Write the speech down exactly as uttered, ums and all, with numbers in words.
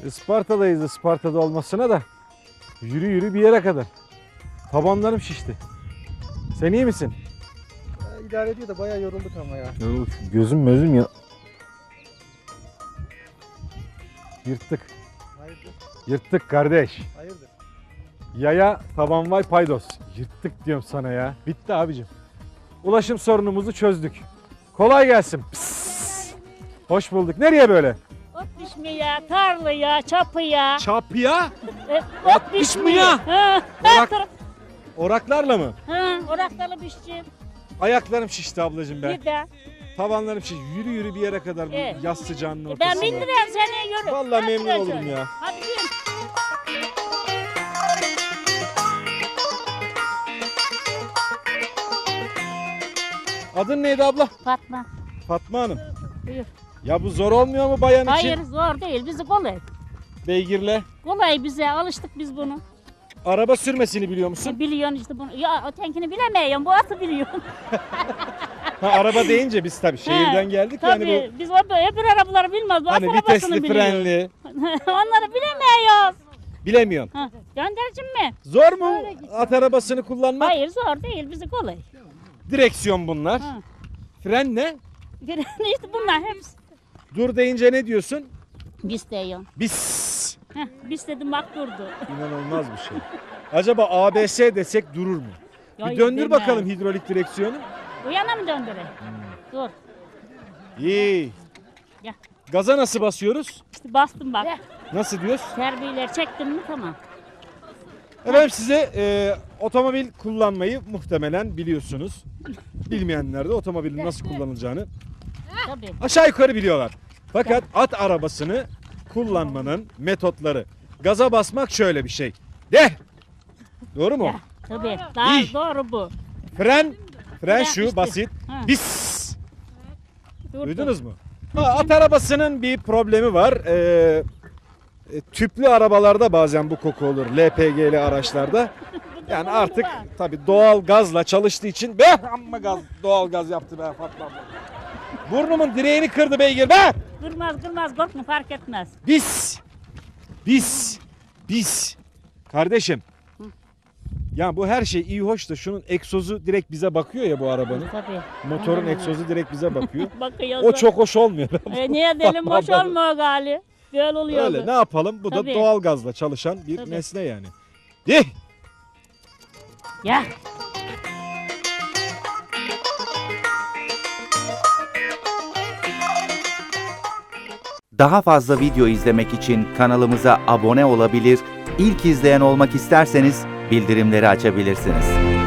Isparta'dayız, Isparta'da olmasına da yürü yürü bir yere kadar. Tabanlarım şişti. Sen iyi misin? Ya, idare ediyor da bayağı yorulduk ama ya. Gözüm gözüm ya. Yırttık. Hayırdır? Yırttık kardeş. Hayırdır? Yaya taban vay paydos. Yırttık diyorum sana ya. Bitti abicim. Ulaşım sorunumuzu çözdük. Kolay gelsin. Pıs. Hoş bulduk. Nereye böyle? Ot biçmeye, tarlaya, çapıya. Çapıya. E, ot ot biçmeye. biçmeye. Ha, Orak- Orak. Oraklarla mı? Ha, oraklarla biçeceğim. Ayaklarım şişti ablacığım ben. Bir de. Tavanlarım şişti. Yürü yürü bir yere kadar bu Evet. yaz sıcağının Ben ortasında. bindireyim seni yürü. Vallahi Hadi memnun ben olurum şöyle. ya. Hadi yürü. Adın neydi abla? Fatma. Fatma Hanım. Buyur. Ya bu zor olmuyor mu bayan Hayır için? zor değil. Bizi kolay. Beygirle. Kolay bize. Alıştık biz bunu. Araba sürmesini biliyor musun? Biliyorsun işte bunu. Ya ötenkini bilemiyorum. Bu atı biliyorsun. Ha, araba deyince biz tabii şehirden geldik Tabii. yani Biz o öbür arabaları bilmez. Bu bu hani at arabasını vitesli, biliyoruz. frenli. Onları bilemiyoruz. Bilemiyorsun. Ha, göndericim mi? Zor mu Öyle gitsin. at arabasını kullanmak? Hayır zor değil. Bizi kolay. Direksiyon bunlar. Ha. Fren ne? işte bunlar hepsi. Dur deyince ne diyorsun? Biz diyor. Bis. Heh, biz dedim bak durdu. İnanılmaz bir şey. Acaba A B S desek durur mu? Bir Hayır, döndür demez. bakalım hidrolik direksiyonu. Bu yana mı döndüreyim? Dur. İyi. Gel. Gaza nasıl basıyoruz? İşte bastım bak. Nasıl diyoruz? Terbiyeler çektim mi tamam. Efendim size e, otomobil kullanmayı muhtemelen biliyorsunuz. Bilmeyenler de otomobilin nasıl kullanılacağını Tabii. aşağı yukarı biliyorlar. Fakat at arabasını kullanmanın metotları. Gaza basmak şöyle bir şey. De. Doğru mu? Ya, tabii. Daha İyi. doğru bu. Fren, fren Fren şu işte. basit. Ha. Bis. Durdu. Duydunuz mu? Ha, at arabasının bir problemi var. Ee, e, tüplü arabalarda bazen bu koku olur. L P G'li araçlarda. Yani artık tabii doğal gazla çalıştığı için be amma gaz doğal gaz yaptı be Fatma abla. Burnumun direğini kırdı beygir be. Kırmaz kırmaz korkma fark etmez. Bis. Bis. Bis. Kardeşim. Ya bu her şey iyi hoş da şunun egzozu direkt bize bakıyor ya bu arabanın. Tabii. Motorun Hmm. egzozu direkt bize bakıyor. Bakıyoruz. O çok hoş olmuyor. E, niye delim boş Vallahi. olmuyor gali. Böyle oluyor. Öyle ne yapalım? Bu Tabii. da doğal gazla çalışan bir Tabii. nesne yani. Dih! Ya. Daha fazla video izlemek için kanalımıza abone olabilir, ilk izleyen olmak isterseniz bildirimleri açabilirsiniz.